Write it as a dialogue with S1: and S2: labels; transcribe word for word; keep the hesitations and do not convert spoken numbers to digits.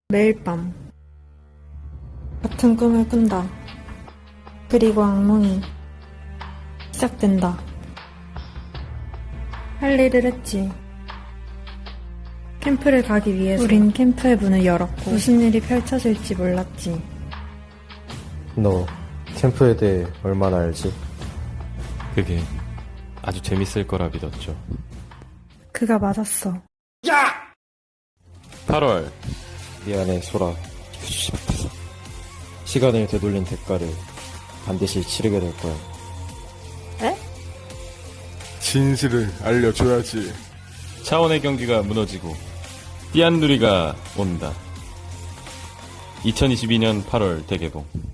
S1: 매일 밤 같은 꿈을 꾼다. 그리고 악몽이 시작된다. 할 일을 했지. 캠프를 가기 위해서 우린 캠프의 문을 열었고 무슨 일이 펼쳐질지 몰랐지.
S2: 너 캠프에 대해 얼마나 알지?
S3: 그게 아주 재밌을 거라 믿었죠.
S1: 그가 맞았어.
S3: 팔월
S2: 미안해 소라. 휴지 같아서 시간을 되돌린 대가를 반드시 치르게 될 거야.
S4: 진실을 알려줘야지.
S3: 차원의 경기가 무너지고 띠안누리가 온다. 이천이십이 년 팔월 대개봉.